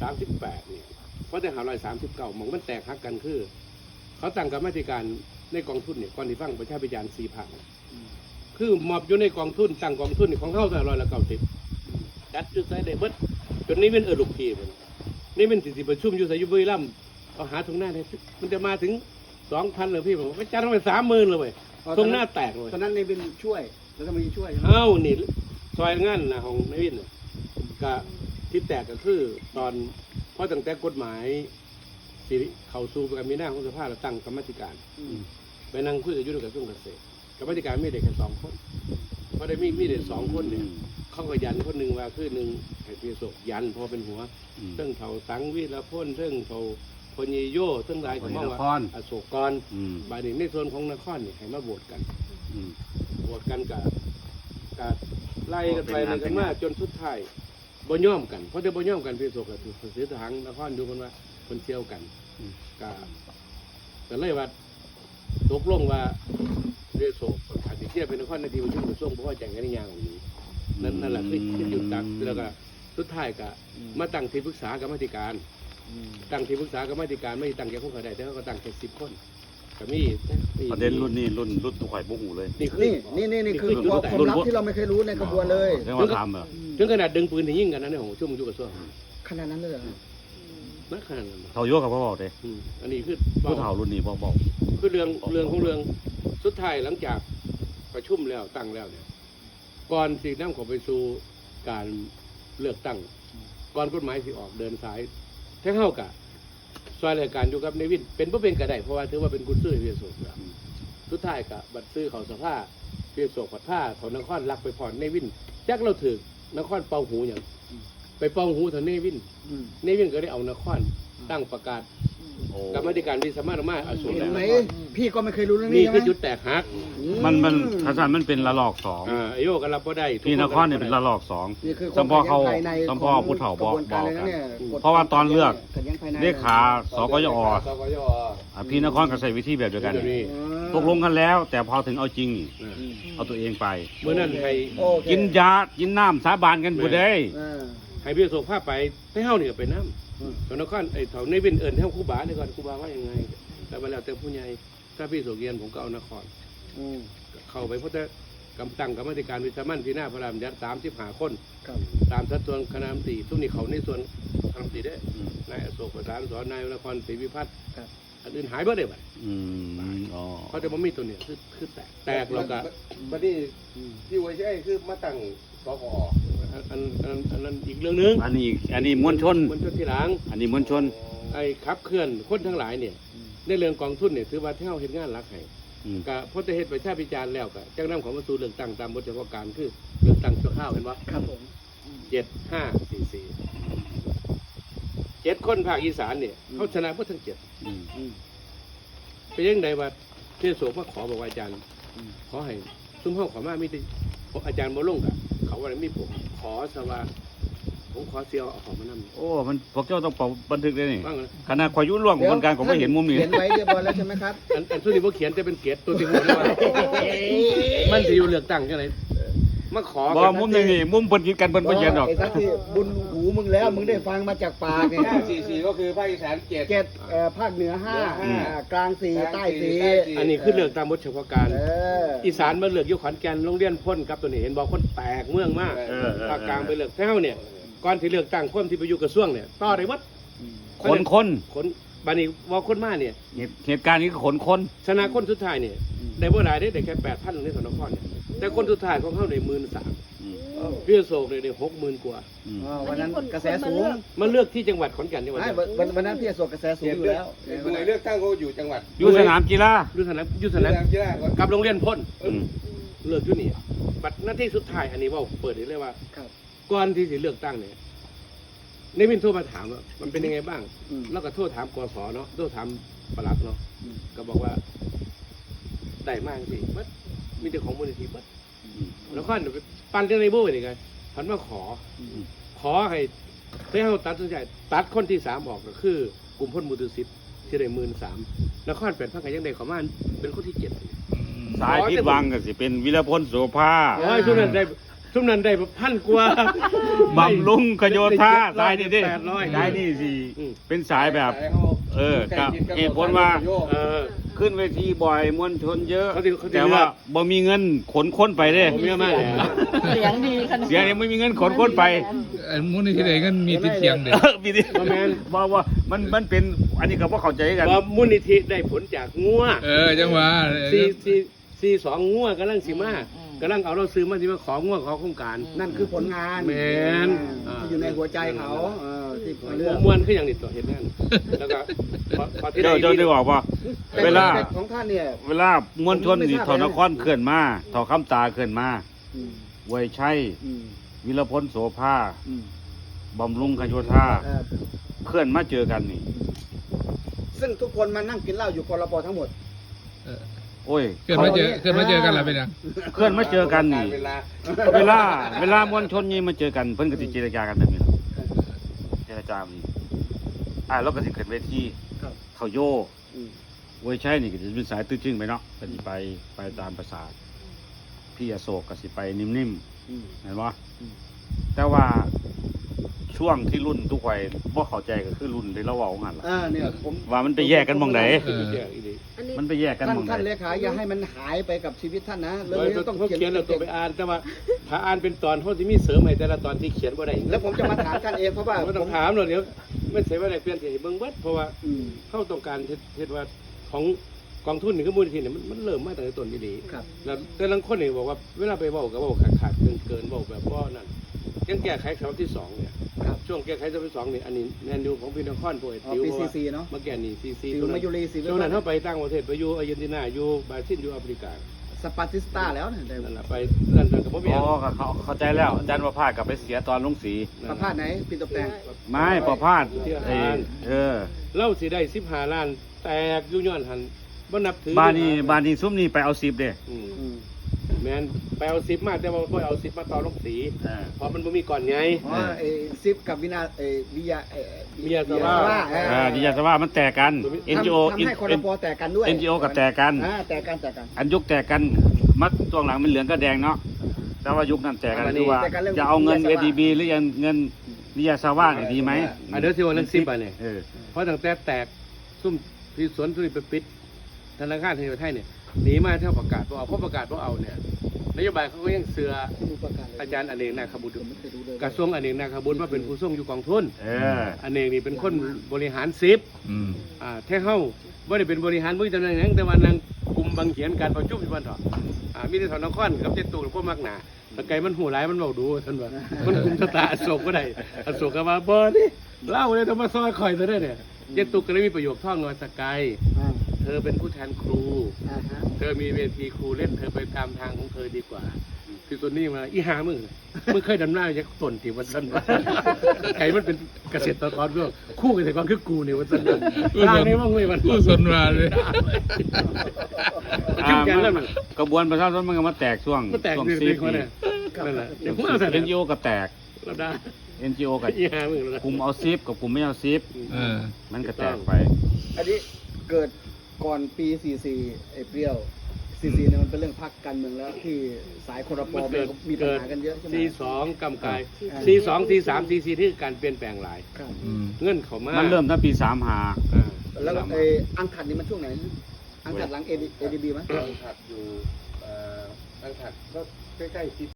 2538เนี่ยเพราะแต่539หมองมันแตกหักกันคือเขาตั้งกรรมการในกองทุนเนี่ยก่อนที่ฟังประชาพิจารณ์4 ภาคคือมอบอยู่ในกองทุนตั้งกองทุนของเฮาแต่190จัดจุดใส่ได้เบิดจนนี้เป็นลูกทีนี่เป็นสิประชุมอยู่ไสอยู่บุรีรัมย์เอาหาตรงหน้าได้มันจะมาถึง 2,000เลยพี่ผมก็จัดไป30,000เลยเว้ยตรงหน้าแตกเลยตอนนั้นในเป็นช่วยแล้วก็มีช่วยนี่ซอยงานนะของนายวินก็ที่แตกก็คือตอนเพราะตั้งแต่กฎหมายสิเข้าสู่การมีหน้าของสภาเราตั้งกรรมธิการไปนั่งคุยกับยุทธกระทรวงเกษตรกรรมธิการมีเด็กแค่2 คนเพราะได้มีเด็ก2 คนเนี่ยเขาก็ยันคนหนึ่งว่าคือหนึ่งไอ้พิโสยันพอเป็นหัวเรื่องเถาสังวิรพลเรื่องเถาพญโยเรื่องหลายของมองว่าอโศกรบายหนึ่งในส่วนของนครเนี่ยให้มาโหวตกันกับไล่กันไปเลยกันมาจนสุดท้ายบ่ย่อมกันเพราะได้บ่ย่อมกันพิโสก็ถือเสือทหารนครดูคนว่าคนเชี่ยวกันก็เลยว่าตกลงว่าเรือโศกอาจจะเทียบเป็นนครในทีประชุมกระทรวงเพราะว่าแจ้งกันในงานของนี้นั่นแหละคือหยุดตักแล้วก็สุดท้ายก็มาตั้งที่ปรึกษากรรมธิการตั้งที่ปรึกษากรรมธิการไม่ตั้งแค่คนเขาได้แต่เขาก็ตั้งแค่10 คนก็มีประเด็นรุ่นนี้รุ่นตัวข่อยบุกหูเลยนี่คือความลับที่เราไม่เคยรู้ในกระบวนเลยเรื่องว่าทำแบบถึงขนาดดึงปืนถึงยิงกันนะในของช่วงยุคกระทรวงขนาดนั้นเลยเหรอนักขนาดนั้นเท่าโยกับพ่อบอกเลยอันนี้คือผู้เท่ารุ่นนี้บอกคือเรื่องของเรื่องสุดท้ายหลังจากประชุมแล้วตั้งแล้วเนี่ยก่อนที่นำเขาไปสู่การเลือกตั้งก่อนกฎหมายที่ออกเดินสายแท้เข้ากับซอยรายการอยู่กับในวินเป็นเพราะเป็นกระไดเพราะว่าถือว่าเป็นกุญซื้อเพียโศกสุดท้ายกับบัตรซื้อเขาสภาเพียโศกผัดผ้าเขานครลักไปผ่อนในวินจักเราถือนครเป่าหูอย่างไปเป่าหูเถอะในวินก็ได้เอานครตั้งประกาศกรรมธิการวิสามันมาอสูรแล้วพี่ก็ไม่เคยรู้เรื่องนี้นี่คือจุดแตกหักมันทัศน์มันเป็นระลอก2 ไอโยก็รับก็ได้พี่นครเนี่ยเป็นระลอก2จำพ่อเขาจำพ่อผู้เฒ่าบอกกันเพราะว่าตอนเลือกเลขาสกยพี่นครก็ใช้วิธีแบบเดียวกันตกลงกันแล้วแต่พอถึงเอาจริงเอาตัวเองไปเมื่อนั้นให้กินยากินน้ำสาบานกันบุได้ให้พี่โศกผ้าไปให้เฮาเนี่ยไปน้ำตอนนครไอ้เถาในเป็นเอิญเท่าครูบาเนี่ยก่อนครูบาว่ายังไงแต่มาแล้วแต่ผู้ใหญ่ถ้าพี่โสเกียนผมก็เอานครเข้าไปเพราะแต่กำตั้งกรรมธิการวิสามันที่หน้าพระรามยัด35 คนตามสัดส่วนคณะมนตรีทุกนี้เขาในส่วนคณะมนตรีได้นายอโศกประสานสอนนายนครศรีวิพัฒน์อันอื่นหายไปได้ไหมเพราะแต่บ่มีตัวเนี่ยคือแตกเราก็บัดนี้ที่ไว้ใช่คือมาตั้งสกออันนั้นอีกเรื่องนึงอันนี้มวลชนที่หลังอันนี้มวลชนไอ้ขับเคลื่อนคนทั้งหลายเนี่ยในเรื่องกองทุนเนี่ยถือว่าเท่าเห็นงานรักให้กับพลเอกประชาพิจารณ์แล้วกับจังนำของมาสู่เรื่องตั้งตามบทเฉพาะการคือเรื่องตั้งชั่วข้าวเห็นว่าครับผม 7 คนภาคอีสานเนี่ยเขาชนะพวกทั้ง7เป็นยังไงว่าเทศโสมาขอบอกว่าอาจารย์ขอให้ซุ้มห้องขอมามีแต่อาจารย์มาลงกับเขาว่าไม่ผมขอสว่าผมขอเสียวเอาของมานั่งโอ้มันพวกเจ้าต้องบันทึกได้นี่ขณะข่อยยุ่งร่วงของคนกลางผมไม่เห็นมุมนี้เขียนไว้เรียบร้อยแล้วใช่ไหมครับอันสุดที่ผมเขียนจะเป็นเกียรติตัวที่หัวเลยว่ามันจะอยู่เลือกตั้งกันเลยมาขอบอกมุมนี่มุมเพิ่นคิดกันเพิ่นบ่เขียนดอกไอ้สักที่บุญหูมึงแล้วมึงได้ฟังมาจากปากไง 44ก็คือภาคอีสาน 7ภาคเหนือ5กลาง4ใต้4 อันนี้คือเลือกตามบทเฉพาะการอีสานมาเลือกอยู่ขอนแก่นโรงเรียนพ่นครับตัวนี้เห็นบอกคนแตกเมืองมากภาคกลางไปเลือกแถวเนี่ยก่อนที่เลือกตั้งคนที่ไปอยู่กระทรวงเนี่ยต่อได้วัดคนบานี้ว่าคนมาเนี่ยเหตุการณ์นี้ก็คนชนะคนสุดท้ายเนี่ยได้บ่หลายได้แค่8,000ในสนครเนี่ยแต่คนสุดท้ายของเขาได้13,000พี่โศกเลยได้60,000 กว่าวันนั้นกระแสสูงมันเลือกที่จังหวัดขอนแก่นนี่วันนั้นพี่โศกกระแสสูงอยู่แล้วหน่วยเลือกตั้งเขาอยู่จังหวัดอยู่สนามกีฬาอยู่สนามกีฬากับโรงเรียนพ่นเลือกอยู่นี่บัดหน้าที่สุดท้ายอันนี้ว่าเปิดเลยว่าก่อนที่จะเลือกตั้งเนี่ยในวินโทรมาถามว่ามันเป็นยังไงบ้างแล้วก็โทรถามกสเนาะโทรถามปลัดเนาะก็บอกว่าได้มากสิบัดมีแต่ของมูลนิธิบัดแล้วก็ปั่นเรื่องในโบ้ไปยังไงพันมาขอให้เขาตัดสินใจตัดคนที่3ออกก็คือกลุ่มพ่นมูตุสิทธิ์ที่ได้13,000แล้วข้อน8,000ก็ยังได้ขอมาเป็นคนที่7 สายพิษวังก็สิเป็นวิรพลโสภาช่วงนั้นได้1,000 กว่าบำรุงขโยธาสายนี่ดิ 800 สายนี่สิอืมเป็นสายแบบ กับเหตุผลว่า ขึ้นเวทีบ่อยมวลชนเยอะเขาสิแต่ว่าบ่มีเงินขนคนไปเด้ผมเยอะมากเลยเสียงดีขนาดเสียยังไม่มีเงินขนคนไปมูลนิธิใดก็มีติดเตียงเด็กมีดิบอกว่ามันเป็นอันนี้ก็บ่เข้าใจกันว่ามูลนิธิได้ผลจากงัวจังหวะสี่สองงัวกำลังสิมากำลังเอาเราซื้อมาที่มาของงัวขอโครงการนั่นคือผลงานแม่นที่อยู่ในหัวใจเขาที่เรื่ผองมมวนคืออย่างนี้ตัวเห็นนั่นแล้วก็พอที่เจ้าได้บอกว่า เวลาแต่ของท่านเนี่ยเวลามวลชนนี่ถอนครเคลื่อนมาถอคำตาเคลื่อนมาไวยชัยวิรพลโสภาบำรุงขโยธาเคลื่อนมาเจอกันนี่ซึ่งทุกคนมานั่งกินเหล้าอยู่พลปทั้งหมดโอ้ยเกิดมาเจอกันแล้วเป็นยังเคลื่อนมาเจอกันนี่เวลาเวลามวลชนนี่มาเจอกันเพิ่นก็สิเจรจากันแบบนี้ล่ะเจรจาแบบนี้แล้วก็สิขึ้นเวทีครับเขาโยไวยชัยนี่ก็จะเป็นสายตื้อจึงไปเนาะก็สิไปตามประสาทพี่อโศกก็สิไปนิ่มๆเห็นบ่แต่ว่าช่วงที่รุ่นทุกวัยบ่เข้าใจก็คือรุ่นที่เราเว้าหั่นล่ะเนี่ยผมว่ามันไปแยกกันหม่องไหนอันนี้มันไปแยกกันหม่องไหนท่านเลขาอย่าให้มันหายไปกับชีวิตท่านนะเรื่องเรานี้ต้ต้ออง งเขาเขียนเขียนเราตัวไปอ่านแต่ว่าถ้าอ่านเป็นตอนเขาจะมีเสริมให้แต่ละตอนที่เขียนว่าได้แล้วผมจะมาถามท่านเองเพราะว่าไม่ต้องถามหรอกเดี๋ยวไม่ใช่ว่าได้เปลี่ยนที่เบิ่งเบิดเพราะว่าเขาต้องการเฮ็ดว่าของกองทุนนี่ก็มูลนิธิเนี่ยมันเริ่มมาตั้งแต่ต้นดีครับแล้วแต่ละคนนี่บอกว่าเวลาไปเว้าก็เว้าขาดเกินเว้าแบบว่านั่นยังแก้ไขฉบับที่2เนี่ยช่วงแก้ไขฉบับที่2นี่อันนี้แมนยูของพี่นครป่วยปี CC เนาะมาแก่นี่ซีซีติวมายุรีสิช่วงนั้นเขาไปต่างประเทศไปอยู่อาร์เจนตินาอยู่บราซิลอยู่แอฟริกาสปาติสตาแล้วเนี่ยนั่นแหละไปนั่นก็บ่มีอ๋อเข้าใจแล้วอาจารย์ประภาสกลับไปเสียตอนลงสีประพาสไหนปีตบแตงไม่ประภาสเล่าสิได้15 ล้านแตกอยู่ย้อนหันบ่นับถือบ้านนี้ซุ้มนี่ไปเอา10เด้แม่นไปเอา10มาแต่ว่าบ่เอา10มาต่อลงสีเพราะมันบ่มีก่อนไงอ๋อซิปกับวินาวิยาวิยาสวาดิยาสว่ามันแตกกัน NGO ทำให้คนละปอแตกกันด้วย NGO กับแตกกันแตกกันอันยุคแตกกันมัดตัวหลังเป็นเหลืองก็แดงเนาะแต่ว่ายุคนั้นแตกกันคือว่าจะเอาเงิน ADB หรือเงินดิยาสว่าเนี่ยดีไหมเดี๋ยวสิว่าเรื่อง10อ่ะเนี่ยเพราะตั้งแต่แตกซุ่มที่สวนทุเรียนไปปิดธนาคารแห่งประเทศไทยเนี่ยหนีมาเท่าประกาศว่าเอาเพราะประกาศว่าเอาเนี่ยนโยบายเขาก็ยังเสืออาจารย์อเนกนาคบุตรกระทรวงอเนกนาคบุตรว่าเป็นผู้ทรงอยู่กองทุนอเนกนี่เป็นคนบริหารซิปแท้เฮาว่าได้เป็นบริหารผู้ตำแหน่งนั้นแต่ว่านางกลุ่มบางเขียนการประชุมอยู่บ้านเถาะมีแต่ถอนนครกับเจ็ดตูหรือพวกมักหนาตะไกมันหูร้ายมันเบาดูท่านว่ามันกลุ่มสตาอโศกก็ได้อโศกก็มาบ่นี่เล่าเลยต้องมาซอยคอยซะได้เนี่ยเจ็ดตูก็เลยมีประโยคท่องว่าสกายเธอเป็นผู้แทนครู เธอมีเวทีครูเล่นเธอไปตามทางของเธอดีกว่าคือตัวนี้มาอีหามึงเคยดำหน้าจากต้นที่วันสั้นว่าไก่มันเป็นเกษตรกรก็คู่เกษตรกรคือกูเนี่ยวันสั้นทางนี้ว่าไงมันผู้สนมาเลยชื่อแกนแล้วมันกระบวนประชาชนมันก็มาแตกช่วงมันแตกช่วงเด็ซีกๆมาเนี่ยนั่นแหละเดี๋ยวผมเอาใส่ NGO ก็แตกเราได้ NGO กับอีหามึงเรากลุ่มเอา10กับกลุ่มไม่เอา10มันก็แตกไปอันนี้เกิดก่อนปี 44เปรี้ยว 44เนี่ยมันเป็นเรื่องพรรคการเมืองแล้วที่สายคนละปอมีปัญหากันเยอะใช่ไหม C2 กำกาย C2 C3 C4 ที่การเปลี่ยนแปลงหลายครับเงื่อนเขามามันเริ่มตั้งปีแล้วอังคัดนี่มันช่วงไหนอังคัดหลัง ADB ไหมตั้งถัดอยู่ตั้งถัดก็ใกล้ๆ